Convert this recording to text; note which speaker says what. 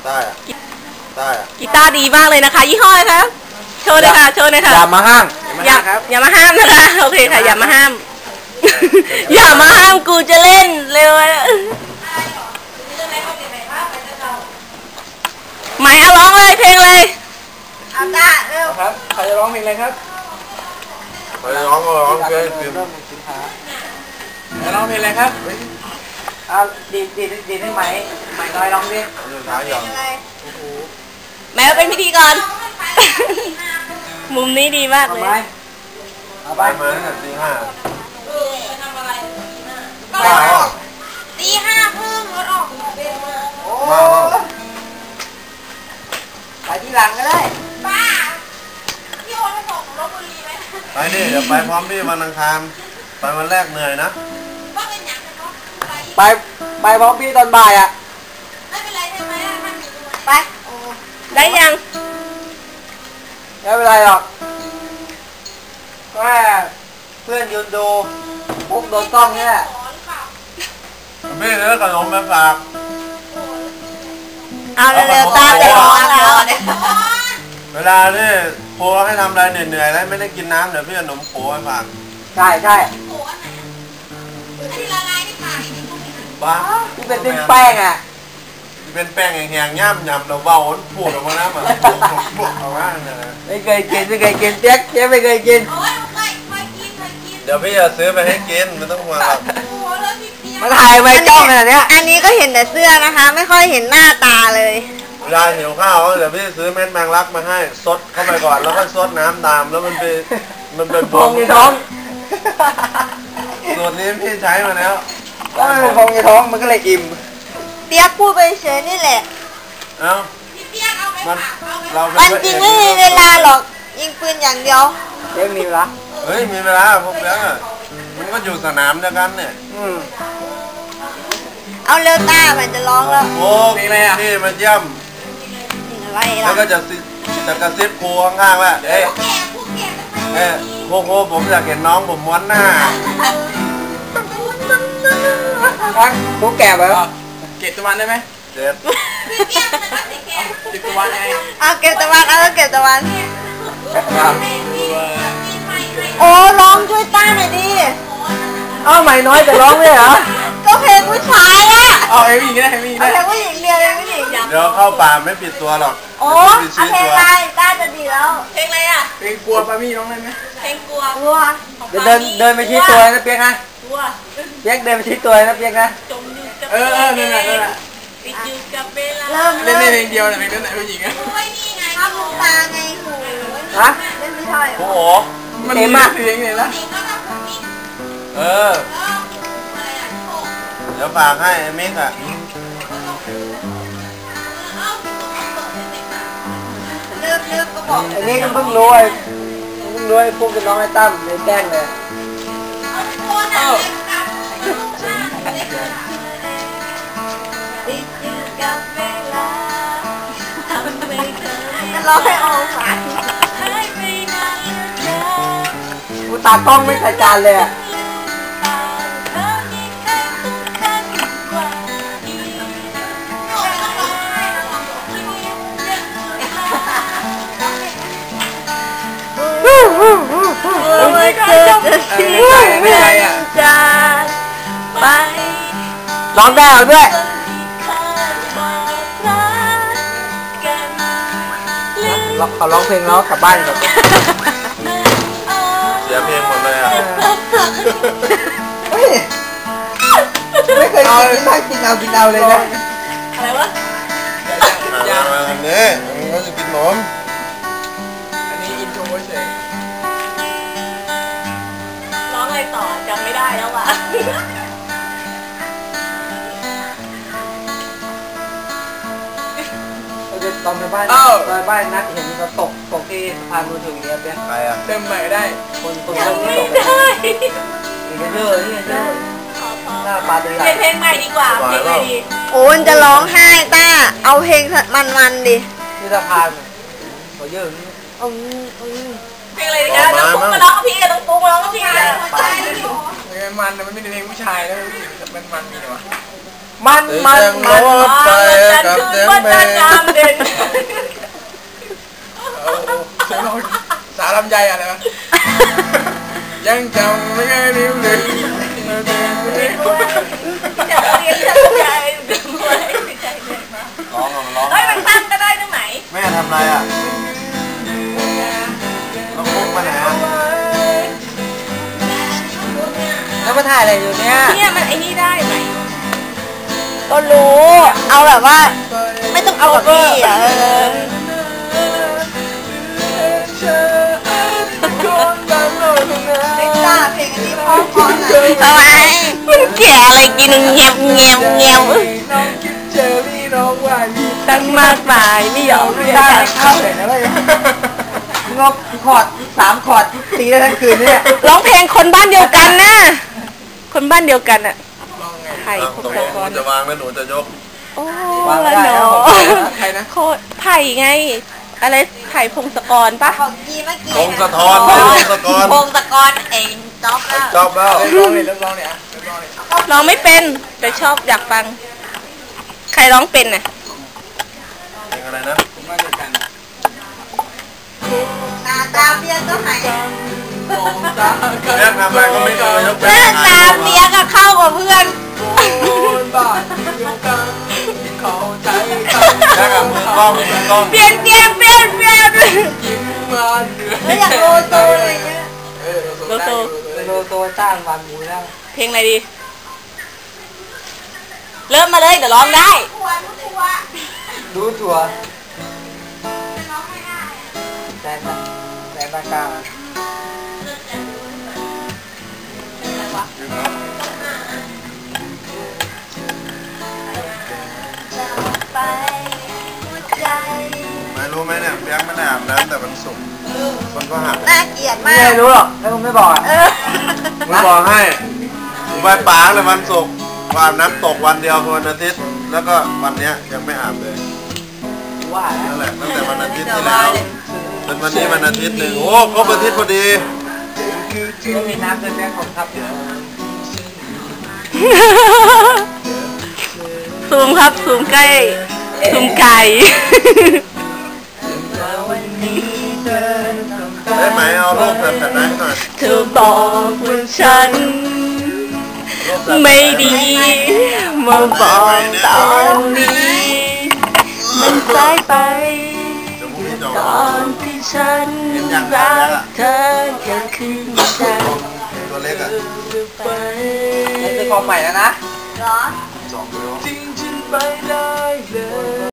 Speaker 1: ได้อะได้อะ
Speaker 2: กีตาร์ดีมากเลยนะคะยี่ห้ออะไรคะโชว์เลยค่ะโชว์เลยค่ะ
Speaker 3: อย่ามาห้าม
Speaker 2: อย่ามาห้ามนะคะโอเคค่ะอย่ามาห้ามอย่ามาห้ามกูจะเล่นเร็วหมายเอาร้องเลยเพลงเลยเอาตาเร็ว
Speaker 3: ครับใครจะร้องเพลงอะไรครับ
Speaker 1: ไปร้องเพลง
Speaker 3: จะร้องเพลงอะไรครับเอาดีได้ไหมน้อยร้องดิ
Speaker 2: แม้ว่าเป็นพิธีกรมุมนี้ดีมากเลย
Speaker 1: เอาไปมาตีห้า
Speaker 2: ตีห้าครึ่งรถออก
Speaker 1: มา
Speaker 3: ไปที่หลังก็ได้
Speaker 2: ป้าพี่โอนไปส่งลพบุรีไหม
Speaker 1: ไปดิเดี๋ยวไปพร้อมพี่วันอังคารไปวันแรกเหนื่อยนะ
Speaker 3: ไปพร้อมพี่ตอนบ่ายอ่ะ
Speaker 2: ไม่เป็นไรใช่ไหมไปได้ยัง
Speaker 3: ไม่เป็นไรหรอกแค่เพื่อนยืนดูพวกโดนต้องเนี่ย
Speaker 1: พี่เนื้อขนมมาฝาก
Speaker 2: เอาเร็วๆตาจะร้อนแล้ว
Speaker 1: เวลาที่โพให้ทำอะไรเหนื่อยๆแล้วไม่ได้กินน้ำเดี๋ยวพี่ขนมโพให้ฝาก
Speaker 3: ใช่
Speaker 2: ที่ละลายที่ผ่าน
Speaker 1: บ้า
Speaker 3: ที่เป็นแป้งอ่ะ
Speaker 1: ที่เป็นแป้งแห้งๆย่ำเราเบาพูดออกมาแล้วมันพูดออกมาเนี่ย
Speaker 3: ไม่เคยกินเจ๊ไม่เคยกิน
Speaker 1: เดี๋ยวพี่จะซื้อไปให้กินไม่ต้องห่วงหรอก
Speaker 3: มาถ่ายไว้จ้องขนาดนี้
Speaker 2: อันนี้ก็เห็นแต่เสื้อนะคะไม่ค่อยเห็นหน้าตาเลย
Speaker 1: เวลาหิวข้าวเดี๋ยวพี่ซื้อเม็ดแมงลักมาให้ซดเข้าไปก่อนแล้วก็ซดน้ำตามแล้วมันเป็น
Speaker 3: พองในท้อง
Speaker 1: สูตรนี้พี่ใช้มาแล้ว
Speaker 3: ก็มันเป็นพองในท้องมันก็เลยอิ่ม
Speaker 2: เปียกพูดไปเฉยนี่แหละ
Speaker 1: เอ้า
Speaker 2: วันจริงไม่มีเวลาหรอกยิงปืนอย่างเดียว
Speaker 3: เรื่องมีเวลา
Speaker 1: เฮ้ยมีเวลาพวกเปียกมันก็อยู่สนามเดียวกันเนี่ย
Speaker 2: เอาเร็วตามันจะร้องแล้ว
Speaker 1: โอ้พี่มาเยี่ยมแล้วก็จะกระซิบครูข้างๆว่าเอ้โคผมอยากเห็นน้องผมม้วนหน้า
Speaker 3: พวกแก่ไป
Speaker 4: เก็บตะวันได้ไหม
Speaker 1: เจ็บ
Speaker 4: เก็บตะวันไง
Speaker 2: เอาเก็บตะวันเก็บตะวันโอ้ร้องช่วยต้าหน่อยดิ
Speaker 3: ใหม่น้อยจะร้องเลยเหรอ
Speaker 2: ก็เพลงผู้ชายอ่ะ
Speaker 4: เอาเพลงผู้หญิงได้เพลง
Speaker 2: ผู้หญิงเรียนเพลงผู้หญิง
Speaker 1: เดี๋ยวเข้าป่าไม่ปิดตัวหรอก
Speaker 2: โอ้เพลงอะไรต้าจะดีแล้วเพลงอะไรอ่ะ
Speaker 4: เพลงกลัวปามี่ร้องได้ไหม
Speaker 2: เพลงกลัว
Speaker 3: เดินไปชี้ตัวนะเปียกนะเปียกเดินไปชี้ตัวนะเปียกนะ
Speaker 4: นั่นแหละ
Speaker 2: ติดอยู่กับเวลา
Speaker 4: เล่นเพลงเดียวแต่เพลงนั้นผู้หญิงอ่ะ
Speaker 2: นี่ไงภาพลงตาไงหูเล่นไม่ใช่
Speaker 1: โอ้โห
Speaker 4: มันมีเพลงเลยนะ
Speaker 1: เดี๋ยวฝากให้มิกอ่ะ
Speaker 2: ลึกก็บอก
Speaker 3: อันนี้ก็เพิ่งรู้พวกน้องไอ้ตั้มเลยแกล้งเลย
Speaker 2: ร้องให้ออกมา
Speaker 3: กูตากล้องไม่ใส่จานเลยอ่ะ
Speaker 2: ไม่เคยจะทิ้งจากไป
Speaker 3: ร้องได้เอาด้วยเขาร้องเพลงแล้วกลับบ้านกัน
Speaker 1: เสียเพลงหมดเลยอ่ะ
Speaker 3: ไม่เคยกินนั่งกินเอาเลยนะ
Speaker 2: อะไรวะ
Speaker 1: อันนี้เขาจะกินขนม
Speaker 4: อันนี้อินโทรเฉย
Speaker 2: ร้องอะไรต่อจำไม่ได้แล้วว่ะ
Speaker 3: ตอนไปบ้านนัดเห็นเขาตกที่สะพานมือถือเนี่ยเปี๊ยก
Speaker 1: ใครอ่ะ
Speaker 4: เต็มใหม่ได้
Speaker 3: คนที่ตกนี่เด้อหน้าปลาตัวใหญ่
Speaker 2: เพลงใหม่ดีกว่าเพลงใหม่ดีโอนจะร้องไห้ต้าเอาเพลงมันดิ
Speaker 3: ที่สะพานเขาเยอะ
Speaker 2: เพลงอะไรดีนะต้องปุ๊กมาร้องกับพี่ต้องปุ๊กมาร้องกับพี่
Speaker 4: มันไม่ได้เพลงผู้ชายแล้วมันมีหรอ
Speaker 3: มัน
Speaker 1: ไปกับเสียงเพลง
Speaker 4: ลำไยอะไรวะยังจำไม่ได้ลืมเลย
Speaker 2: อยากเรียนทำใจด้วยไม่ใช่เลยมา
Speaker 1: ร้องร้อง
Speaker 2: เฮ้ยมันตั้งก็ได้ตรงไหน
Speaker 1: แม่ทำไรอ่ะต้องพุกมาไหนอ่ะ
Speaker 3: แล้วมาถ่ายอะไรอยู่เนี่ย
Speaker 2: เนี่ยมันไอ้นี่ได้ไหมก็รู้ เอาแบบว่า ไม่ต้องเอากับพี่อ่ะทำไมมันแก่อะไรกินเงียบเงียบเงียบ
Speaker 4: น้องคิดเจอพี่น้องว่าพี่
Speaker 2: ตั้งมากมายไม่ยอม
Speaker 3: ไม่
Speaker 2: เรียน
Speaker 3: ได้
Speaker 2: การ
Speaker 3: เข้าเลยนะเว้ยงบคอร์ด3 คอร์ดตีได้ทั้งคืนเนี่ย
Speaker 2: ร้องเพลงคนบ้านเดียวกันนะ คนบ้านเดียวกันอ่ะ
Speaker 4: ลองไง
Speaker 2: ไผ่พง
Speaker 1: ตก
Speaker 2: ศ
Speaker 1: ลง
Speaker 2: ก
Speaker 1: หนู
Speaker 2: ร
Speaker 1: จะวางแล้วหนูจะยก
Speaker 2: โอ้
Speaker 3: วางไม่
Speaker 2: ละ
Speaker 3: ได้
Speaker 2: เนา
Speaker 3: นะ
Speaker 2: ะ
Speaker 4: ใครนะ
Speaker 2: โคตรไผ่ไง อะไรไผ่พงศกรปะ
Speaker 5: ของกีเมื่อกี้
Speaker 1: พงสะท้อนไม่พงสะกร
Speaker 5: พงศกรเองจ๊อบแล้ว
Speaker 1: จอบแล้ว
Speaker 4: เริ่มร้องเลยเริ่มร้องเนี่ยเริ่มร้องเลย
Speaker 2: ร้องไม่เป็น แต่ชอบอยากฟัง ใครร้องเป็นน่ะ
Speaker 1: เพลงอะไรนะ
Speaker 4: ผมมาเดียวกัน
Speaker 5: ตาเบียก็หาย
Speaker 1: แม่ทำอะไรก็ไม่เคยยก
Speaker 5: หน้าตาเบียก็เข้ากับเพื่อน
Speaker 4: คนบ้านเดียวกันเข้าใจกัน
Speaker 1: แม่กับมือกล้องมือกล้อง
Speaker 2: เปลี่ยนเปลี่ยนเปลี่ยนเปลี่ยน
Speaker 4: ยิ้มมาเหนื่อย
Speaker 5: แล้วอย่างโลโซอะไรเงี้ย
Speaker 2: โลโซ
Speaker 3: โลโซจ้างวันหมูแล้ว
Speaker 2: เพลงอะไรดี เริ่มมาเลยเดี๋ยวร้องได้
Speaker 3: รู้ตัวแซนบากา
Speaker 5: ไปหัวใจ
Speaker 1: ไม่รู้ไหมเนี่ยเพียงไม่ได้อาบน้ำแต่มันสุกร์มันก็หัก
Speaker 5: น่าเกลียดมา
Speaker 3: ไม่
Speaker 5: ก
Speaker 3: รู้หรอกแล้วมึงไม่บอกอ่ะ
Speaker 1: ผมบอกให้ผมไปป๋าเลยวันศุกร์อาบน้ำตกวันเดียวคือวันอาทิตย์ แล้วก็วันเนี้ยยังไม่อาบเลย
Speaker 3: ว่าแล้ว
Speaker 1: นั่นแหละตั้งแต่วันอาทิตย์ที่แล้วเป็นวันนี้วันอาทิตย์หนึ่งโอ้ครบอาทิตย์พอดี
Speaker 3: ไม่มีน้ำเลยแม่ของครับ
Speaker 2: ซูมครับ ซูมใกล้ ซูมไกล
Speaker 1: ได้ไหมเอารูปแบบนั้นหน่อย
Speaker 2: เธอบอกว่าฉัน
Speaker 1: รูปแบบ
Speaker 2: ไม่ดีมาบอกตอนนี้ มันสายไป
Speaker 1: เดี๋ยวพรุ่งนี้จะ
Speaker 2: ตอนที่ฉันรักเธอแค่คืนใจ
Speaker 1: ตัวเล็กอ่ะ
Speaker 2: ไป
Speaker 3: นี่คือความใหม่แล้วนะ
Speaker 5: เหรอ
Speaker 1: 2 นิ้ว
Speaker 2: ทิ้งฉันไปได้เลย